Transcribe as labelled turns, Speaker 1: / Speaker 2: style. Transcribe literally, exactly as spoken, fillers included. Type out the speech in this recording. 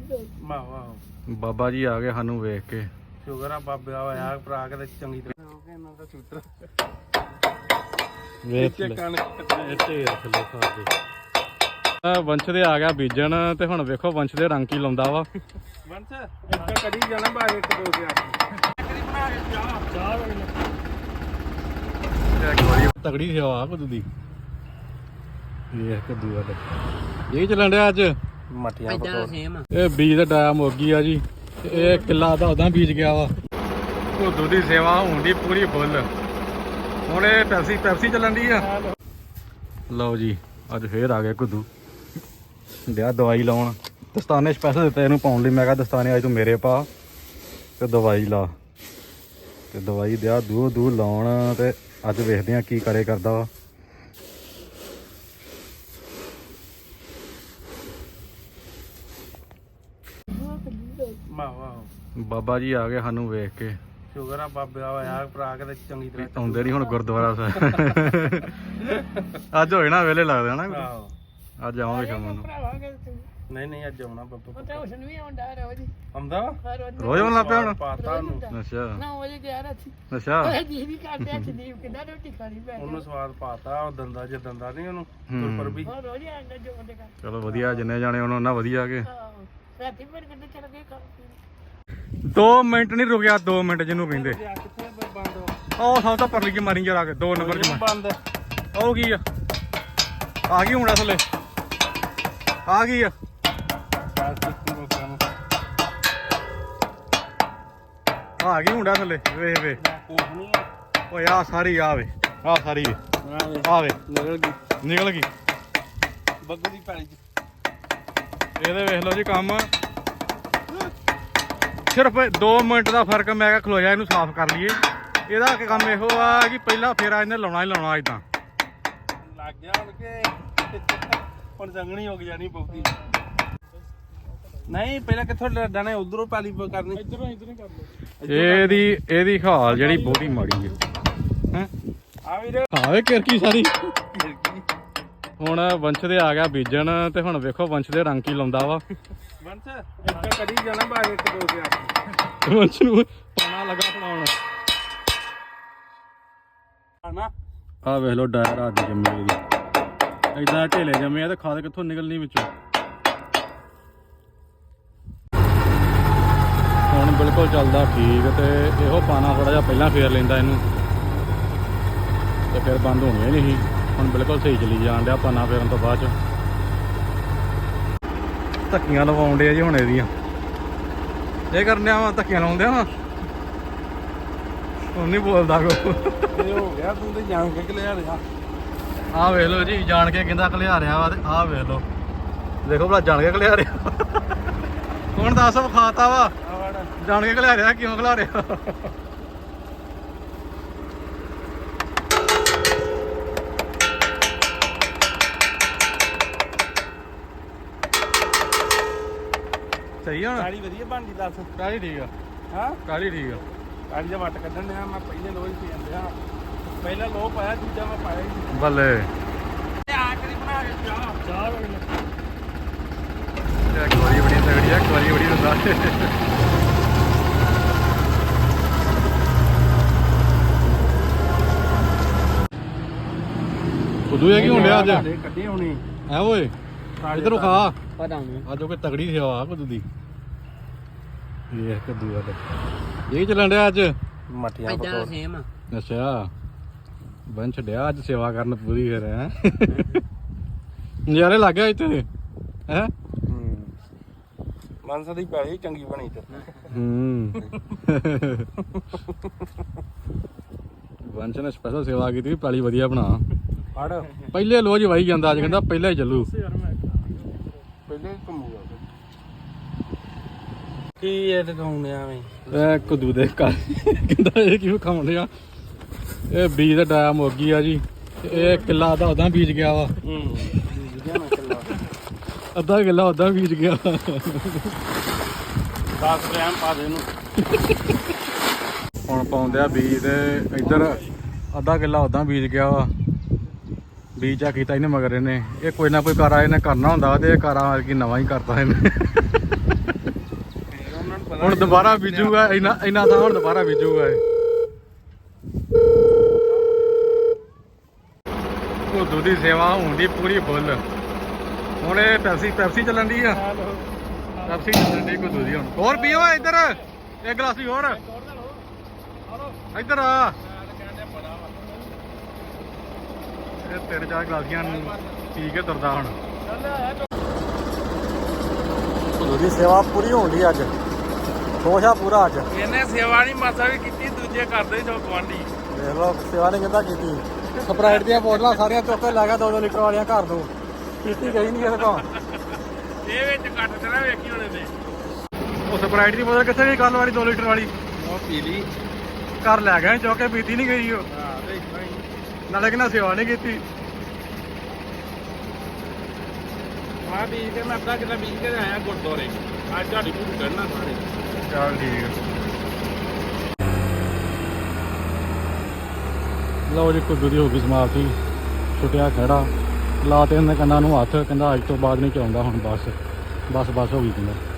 Speaker 1: ਵਾਹ ਵਾਹ
Speaker 2: ਬਾਬਾ ਜੀ ਆ ਗਏ ਸਾਨੂੰ ਵੇਖ ਕੇ।
Speaker 1: ਸ਼ੁਕਰ ਆ ਬਾਬੇ ਆ ਹੋਇਆ ਭਰਾ ਕੇ ਚੰਗੀ ਤਰ੍ਹਾਂ ਹੋ ਕੇ ਇਹਨਾਂ ਦਾ ਸੂਤਰ
Speaker 2: ਵੇਖ ਲੈ ਢੇਰ ਥੱਲੇ ਖਾਦੇ। ਵੰਸ਼ ਦੇ ਆ ਗਿਆ ਬੀਜਣ ਤੇ ਹੁਣ ਵੇਖੋ ਵੰਸ਼ ਦੇ ਰੰਗ ਕੀ ਲਾਉਂਦਾ ਵਾ।
Speaker 1: ਵੰਸ਼ ਇੱਕ ਕੜੀ ਜਾਣਾ ਬਾਅਦ ਇੱਕ ਦੋ ਤੇ ਆ ਕੜੀ ਬਣਾ ਕੇ ਚਾਹ ਚਾਹ
Speaker 2: ਇੱਕ ਵਾਰੀ ਤਗੜੀ ਸੇਵਾ ਕਦੂ ਦੀ ਇਹ ਕਦੂ ਵਾਲਾ ਇਹ ਚੱਲਣ ਡਿਆ ਅੱਜ
Speaker 1: ਮਟੀਆਂ ਪਕੌੜੇ।
Speaker 2: ਇਹ ਬੀਜ ਦਾ ਡਾਇਆ ਮੁਰਗੀ ਆ ਜੀ। ਇਹ ਕਿੱਲਾ ਦਾ ਉਦਾਂ ਬੀਜ ਗਿਆ ਵਾ। ਕਦੂ ਦੀ ਸੇਵਾ ਹੁੰਦੀ ਪੂਰੀ ਫੁੱਲ। ਹੁਣ ਇਹ ਪੈਪਸੀ ਪੈਪਸੀ ਚੱਲਣ ਦੀ ਆ। ਲਓ ਜੀ ਅੱਜ ਫੇਰ ਆ ਗਏ ਕਦੂ ਡਿਆ ਦਵਾਈ ਲਾਉਣ। ਦਸਤਾਨੇ ਸਪੈਸ਼ਲ ਦਿੱਤੇ ਇਹਨੂੰ ਪਾਉਣ ਲਈ। ਮੈਂ ਕਿਹਾ ਦਸਤਾਨੇ ਅੱਜ ਤੂੰ ਮੇਰੇ ਪਾ ਤੇ ਦਵਾਈ ਲਾ ਤੇ ਦਵਾਈ ਦਿਆ ਦੂ ਦੂ ਲਾਉਣ। ਤੇ ਅੱਜ ਵੇਖਦੇ ਆ ਕੀ ਕਰੇ ਕਰਦਾ ਵਾ।
Speaker 1: ਵਾਹ ਵਾਹ
Speaker 2: ਬਾਬਾ ਜੀ ਆ ਗਏ ਸਾਨੂੰ ਵੇਖ ਕੇ।
Speaker 1: ਸ਼ੁਕਰ ਆ ਬਾਬੇ ਆ ਹੋਇਆ ਭਰਾ ਕੇ ਚੰਗੀ ਤਰ੍ਹਾਂ
Speaker 2: ਆਉਂਦੇ ਨਹੀਂ ਹੁਣ ਗੁਰਦੁਆਰਾ ਸਾਹਿਬ। ਅੱਜ ਹੋਏ ਨਾ ਵੇਲੇ ਲੱਗਦੇ ਹਨਾ।
Speaker 1: ਆਹੋ
Speaker 2: ਅੱਜ ਆਵਾਂਗੇ ਸ਼ਾਮ ਨੂੰ।
Speaker 1: ਨਹੀਂ ਨਹੀਂ ਅੱਜ ਆਉਣਾ ਬੱਬੂ
Speaker 3: ਪਤਾ ਉਸ ਨੂੰ ਵੀ ਆਉਂਦਾ ਰੋਜ਼
Speaker 1: ਆਉਂਦਾ ਵਾ
Speaker 3: ਹਰ ਰੋਜ਼
Speaker 2: ਰੋਜ਼ ਆਉਣ ਲੱਗ ਪਿਆ ਹੁਣ।
Speaker 1: ਪਾਤਾ ਉਹਨੂੰ
Speaker 2: ਅੱਛਾ
Speaker 3: ਨਾ ਵਜੇ ਗਿਆ ਰਾਤੀ
Speaker 2: ਅੱਛਾ
Speaker 3: ਉਹ ਜੀ ਵੀ ਕਰਦੇ ਆ ਸੰਦੀਪ ਕਿੰਨਾ ਰੋਟੀ ਖਾਣੀ ਪੈ
Speaker 1: ਉਹਨੂੰ ਸਵਾਦ ਪਾਤਾ ਉਹ ਦੰਦਾ ਜੇ ਦੰਦਾ ਨਹੀਂ ਉਹਨੂੰ
Speaker 2: ਹੂੰ।
Speaker 1: ਗੁਰਪੁਰ ਵੀ
Speaker 3: ਉਹ ਰੋਜ਼ ਆਉਂਦਾ ਜੋ ਉਹਦੇ ਘਰ
Speaker 2: ਚਲੋ ਵਧੀਆ ਜਿੰਨੇ ਜਾਣੇ ਉਹਨਾਂ ਉਹਨਾਂ ਵਧੀਆ ਕੇ।
Speaker 3: ਆਹੋ ਰਾਤੀ ਫਿਰ ਕਿੱਥੇ ਚਲ ਗਏ ਖਾ
Speaker 2: ਦੋ ਮਿੰਟ ਨਹੀਂ ਰੁਕਿਆ। ਦੋ ਮਿੰਟ ਜਿਹਨੂੰ ਕਹਿੰਦੇ
Speaker 1: ਕਿੱਥੇ ਬੰਦ
Speaker 2: ਉਹ ਸਭ ਤੋਂ ਪਰਲੀ ਕੀ ਮਾਰੀ ਜਰਾ ਕੇ ਦੋ ਨੰਬਰ ਚ
Speaker 1: ਬੰਦ
Speaker 2: ਉਹ ਕੀ ਆ ਆ ਗਈ ਹੁਣ ਅਸਲੇ ਆ ਗਈ ਆ। ਆ ਗਈ ਮੁੰਡਾ ਥੱਲੇ ਵੇਖ ਵੇ ਓਏ ਆ ਸਾਰੀ ਆ ਵੇ ਆ ਸਾਰੀ ਵੇ ਆ ਵੇ
Speaker 1: ਨਿਕਲ ਗਈ
Speaker 2: ਨਿਕਲ ਗਈ
Speaker 1: ਬੱਗੂ ਦੀ ਪੈਲੀ ਚ।
Speaker 2: ਇਹਦੇ ਵੇਖ ਲਓ ਜੀ ਕੰਮ ਸਿਰਫ ਦੋ ਮਿੰਟ ਦਾ ਫਰਕ। ਮੈਂ ਕਿਹਾ ਖਲੋ ਜਾ ਇਹਨੂੰ ਸਾਫ਼ ਕਰ ਲਈਏ। ਇਹਦਾ ਕੰਮ ਇਹੋ ਆ ਕਿ ਪਹਿਲਾ ਫੇਰਾ ਇਹਨੇ ਲਾਉਣਾ ਹੀ ਲਾਉਣਾ ਇਦਾਂ
Speaker 1: ਲੱਗ ਗਿਆ ਹੁਣ ਕਿ ਹੁਣ ਸੰਗਣੀ ਹੋ ਗਈ ਜਾਣੀ ਬਹੁਤੀ। ਨਹੀਂ ਪਹਿਲਾਂ ਕਿੱਥੋਂ ਡਾਣੇ ਉਧਰੋਂ ਪੈਲੀ ਕਰਨੀ ਇਧਰੋਂ ਇਧਰੋਂ ਕਰ ਲਓ।
Speaker 2: ਇਹਦੀ ਇਹਦੀ ਹਾਲ ਜਿਹੜੀ ਬਹੁਤੀ ਮਾੜੀ ਹੈ ਹੈ
Speaker 1: ਆ ਵੀਰ
Speaker 2: ਆਵੇ ਕਿਰਕੀ ਸਾਰੀ। ਹੁਣ ਵੰਸ਼ ਦੇ ਆ ਗਿਆ ਬੀਜਣ ਤੇ ਹੁਣ ਵੇਖੋ ਵੰਸ਼ ਦੇ ਰੰਗ ਕੀ ਲਾਉਂਦਾ ਵਾ।
Speaker 1: ਵੰਸ਼ ਇੱਕ ਕੜੀ ਜਾਣਾ ਬਾਅਦ ਇੱਕ ਦੋ ਤੇ ਆ
Speaker 2: ਵੰਸ਼ ਨੂੰ ਪਾਣਾ ਲੱਗਾ ਫੜਾਉਣ।
Speaker 1: ਆਣਾ
Speaker 2: ਆ ਵੇਖ ਲੋ ਡਾਇਰ ਆ ਦੀ ਜੰਮੀ ਇਹਦੀ ਏਦਾਂ ਢੇਲੇ ਜੰਮੇ ਆ ਤੇ ਖਾਦ ਕਿੱਥੋਂ ਨਿਕਲਣੀ ਵਿੱਚੋਂ। ਹੁਣ ਬਿਲਕੁਲ ਚੱਲਦਾ ਠੀਕ ਤੇ ਇਹੋ ਪਾਣਾ ਥੋੜਾ ਜਿਹਾ ਪਹਿਲਾਂ ਫੇਰ ਲੈਂਦਾ ਇਹਨੂੰ ਤੇ ਫਿਰ ਬੰਦ ਹੋਣੀ ਹੀ ਨਹੀਂ। ਹੁਣ ਬਿਲਕੁਲ ਸਹੀ ਚੱਲੀ ਜਾਣ ਡਿਆ ਪਾਣਾ ਫੇਰਨ ਤੋਂ ਬਾਅਦ ਚ। ਧੱਕੀਆਂ ਲਵਾਉਣ ਡਿਆ ਜੀ ਹੁਣ ਇਹਦੀਆਂ। ਇਹ ਕਰਨਿਆ ਵਾ ਧੱਕੀਆਂ ਲਾਉਂਦੇ ਵਾ ਹੁਣ ਨਹੀਂ ਬੋਲਦਾ ਕੋ।
Speaker 1: ਇਹ ਹੋ ਗਿਆ ਤੂੰ ਤੇ ਜਾਣ ਕੇ ਲਿਆ ਰਿਹਾ।
Speaker 2: ਆਹ ਵੇਖ ਲਓ ਜੀ ਜਾਣ ਕੇ ਕਹਿੰਦਾ ਘਲਿਆ ਰਿਹਾ ਵਾ ਤੇ ਆਹ ਵੇਖ ਲਓ ਦੇਖੋ ਭਲਾ ਜਾਣ ਕੇ ਘਲਿਆ ਰਿਹਾ। ਹੁਣ ਦੱਸ ਵਿਖਾਤਾ ਵਾ ਜਾਣ ਕੇ ਘਲਿਆ ਰਿਹਾ ਕਿਉਂ ਘਲਿਆ ਰਿਹਾ। ਸਹੀ ਆ ਹੁਣ
Speaker 1: ਕਾਲੀ ਵਧੀਆ ਬਣਦੀ ਦੱਸ।
Speaker 2: ਕਾਲੀ ਠੀਕ ਆ
Speaker 1: ਹਾਂ
Speaker 2: ਕਾਲੀ ਠੀਕ ਆ।
Speaker 1: ਕਾਲੀ ਦਾ ਵੱਟ ਕੱਢਣ ਡਿਆ ਮੈਂ ਪਹਿਲੇ ਲੋਹ ਹੀ ਪੀ ਜਾਂਦਿਆ। ਪਹਿਲਾਂ ਲੋਹ ਪਾਇਆ ਦੂਜਾ ਮੈਂ ਪਾਇਆ ਹੀ
Speaker 2: ਬੱਲੇ
Speaker 1: ਆ ਕਰੀ ਬਣਾ ਕੇ ਚਾਹ ਚਾਹ
Speaker 2: ਇੱਕ ਵਾਰੀ ਬੜੀ ਤਗੜੀ ਆ ਇੱਕ ਵਾਰੀ ਬੜੀ ਹੁੰਦਾ। ਉਦੋਂ ਇਹ ਕੀ ਹੁੰਦਿਆ ਅੱਜ
Speaker 1: ਕੱਢੇ ਹੋਣੀ
Speaker 2: ਐ ਓਏ ਇਧਰੋਂ ਖਾ
Speaker 3: ਪਤਾ ਨਹੀਂ
Speaker 2: ਅੱਜ ਉਹ ਕੋਈ ਤਗੜੀ ਸੇਵਾ ਕਦੂ ਦੀ। ਇਹ ਕਦੂ ਵਾਲਾ ਇਹ ਚੱਲਣ ਡਿਆ ਅੱਜ
Speaker 1: ਮਟੀਆਂ ਪਕੌੜੇ।
Speaker 3: ਸੇਮ
Speaker 2: ਅੱਛਾ ਬੰਨ ਛੱਡਿਆ ਅੱਜ ਸੇਵਾ ਕਰਨ ਪੂਰੀ ਫਿਰ ਹੈ। ਨਜ਼ਾਰੇ ਲੱਗ ਗਿਆ ਇੱਥੇ ਹੈ।
Speaker 1: ਹੂੰ ਮਾਨਸਾ ਦੀ ਪੈਲੀ ਚੰਗੀ ਬਣੀ ਤੇ
Speaker 2: ਹੂੰ ਵੰਸ਼ ਨੇ ਸਪੈਸ਼ਲ ਸੇਵਾ ਕੀਤੀ ਪੈਲੀ ਵਧੀਆ ਬਣਾ।
Speaker 1: ਫੜ
Speaker 2: ਪਹਿਲੇ ਲੋਜ ਵਾਈ ਜਾਂਦਾ ਅੱਜ ਕਹਿੰਦਾ ਪਹਿਲਾਂ ਹੀ ਚੱਲੂ।
Speaker 1: ਪਹਿਲੇ ਘੁੰਮੂਗਾ ਕੀ ਇਹ ਦਿਖਾਉਂਦੇ ਆਵੇਂ।
Speaker 2: ਇਹ ਕਦੂ ਦੇ ਘਰ ਕਹਿੰਦਾ ਇਹ ਕਿਉਂ ਖਾਉਂਦੇ ਆ। ਇਹ ਬੀਜ ਦਾ ਡਾਇਆ ਮੁਰਗੀ ਆ ਜੀ। ਇਹ ਕਿੱਲਾ ਦਾ ਉਦਾਂ ਬੀਜ ਗਿਆ ਵਾ।
Speaker 1: ਹੂੰ
Speaker 2: ਅੱਧਾ ਕਿੱਲਾ ਉਦਾਂ ਬੀਜ ਗਿਆ।
Speaker 1: ਦਸ ਗ੍ਰਾਮ ਪਾ ਦੇ ਇਹਨੂੰ।
Speaker 2: ਹੁਣ ਪਾਉਂਦੇ ਆ ਬੀਜ ਤੇ ਇੱਧਰ ਅੱਧਾ ਕਿੱਲਾ ਉਦਾਂ ਬੀਜ ਗਿਆ ਵਾ। ਬੀਜ ਆ ਕੀਤਾ ਇਹਨੇ ਮਗਰ ਇਹਨੇ ਇਹ ਕੋਈ ਨਾ ਕੋਈ ਕਾਰਾ ਇਹਨੇ ਕਰਨਾ ਹੁੰਦਾ ਤੇ ਇਹ ਕਾਰਾ ਕੀ ਨਵਾਂ ਹੀ ਕਰਤਾ ਇਹਨੇ। ਹੁਣ ਦੁਬਾਰਾ ਬੀਜੂਗਾ ਇੰਨਾ ਇੰਨਾ ਥਾਂ ਹੁਣ ਦੁਬਾਰਾ ਬੀਜੂਗਾ ਇਹ ਭੁੱਦੂ ਦੀ ਸੇਵਾ ਹੁੰਦੀ ਪੂਰੀ ਫੁੱਲ ਹੁਣ ਇਹ ਪੈਪਸੀ ਪੈਪਸੀ ਚੱਲਣ ਦੀ ਆ ਪੈਪਸੀ ਚੱਲਣ ਦੀ ਭੁੱਦੂ ਦੀ ਹੁਣ ਹੋਰ ਪੀਓ ਇੱਧਰ ਇੱਕ ਗਲਾਸੀ ਹੋਰ ਇੱਧਰ ਆ ਇਹ ਤਿੰਨ ਚਾਰ ਗਲਾਸੀਆਂ ਪੀ ਕੇ ਤੁਰਦਾ ਹੁਣ ਭੁੱਦੂ ਦੀ ਸੇਵਾ ਪੂਰੀ ਹੋਣ ਦੀ ਅੱਜ ਖੁਸ਼ ਆ ਪੂਰਾ ਅੱਜ
Speaker 1: ਇਹਨੇ ਸੇਵਾ ਨਹੀਂ ਮਾਸਾ ਵੀ ਕੀਤੀ ਦੂਜੇ ਕਰਦੇ ਜੋ ਗਵਾਂਢੀ
Speaker 2: ਦੇਖ ਲਓ ਸੇਵਾ ਨੇ ਕਹਿੰਦਾ ਕੀਤੀ ਸਪਰਾਈਟ ਦੀਆਂ ਬੋਤਲਾਂ ਸਾਰੀਆਂ ਚੁੱਕ ਕੇ ਲੈ ਗਿਆ ਦੋ ਦੋ ਲੀਟਰ ਵਾਲੀਆਂ ਘਰ ਨੂੰ ਕੀਤੀ ਗਈ ਨਹੀਂ ਇਹਦੇ ਕੋਲ
Speaker 1: ਇਹ ਵਿੱਚ ਕੱਟ ਦੇਣਾ ਵੇਖੀ ਹੁਣ ਇਹਨੇ
Speaker 2: ਉਹ ਸਪਰਾਈਟ ਦੀ ਬੋਤਲ ਕਿੱਥੇ ਗਈ ਕੱਲ ਵਾਲੀ ਦੋ ਲੀਟਰ ਵਾਲੀ
Speaker 1: ਉਹ ਪੀ ਲਈ
Speaker 2: ਘਰ ਲੈ ਗਏ ਚੁੱਕ ਕੇ ਪੀਤੀ ਨਹੀਂ ਗਈ ਉਹ
Speaker 1: ਹਾਂ ਦੇਖਣਾ ਹੀ
Speaker 2: ਨਾਲੇ ਕਿੰਨਾ ਸੇਵਾ ਨਹੀਂ ਕੀਤੀ
Speaker 1: ਆ ਬੀਜ ਕੇ ਮੈਂ ਅੱਧਾ ਕਿੱਲਾ ਬੀਜ ਕੇ ਆਇਆ ਗੁਰਦੁਆਰੇ ਅੱਜ ਤੁਹਾਡੀ ਭੂਖ ਕਰਨਾ ਸਾਰੇ
Speaker 2: ਚੱਲ ਠੀਕ ਆ ਲਓ ਜੀ ਕੁੱਦੂ ਦੀ ਹੋ ਗਈ ਸਮਾਪਤੀ ਛੁੱਟਿਆ ਖੜਾ ਲਾ ਤੇ ਉਹਨੇ ਕੰਨਾਂ ਨੂੰ ਹੱਥ ਕਹਿੰਦਾ ਅੱਜ ਤੋਂ ਬਾਅਦ ਨਹੀਂ ਚਾਹੁੰਦਾ ਹੁਣ ਬਸ ਬਸ ਬਸ ਹੋ ਗਈ ਕਹਿੰਦਾ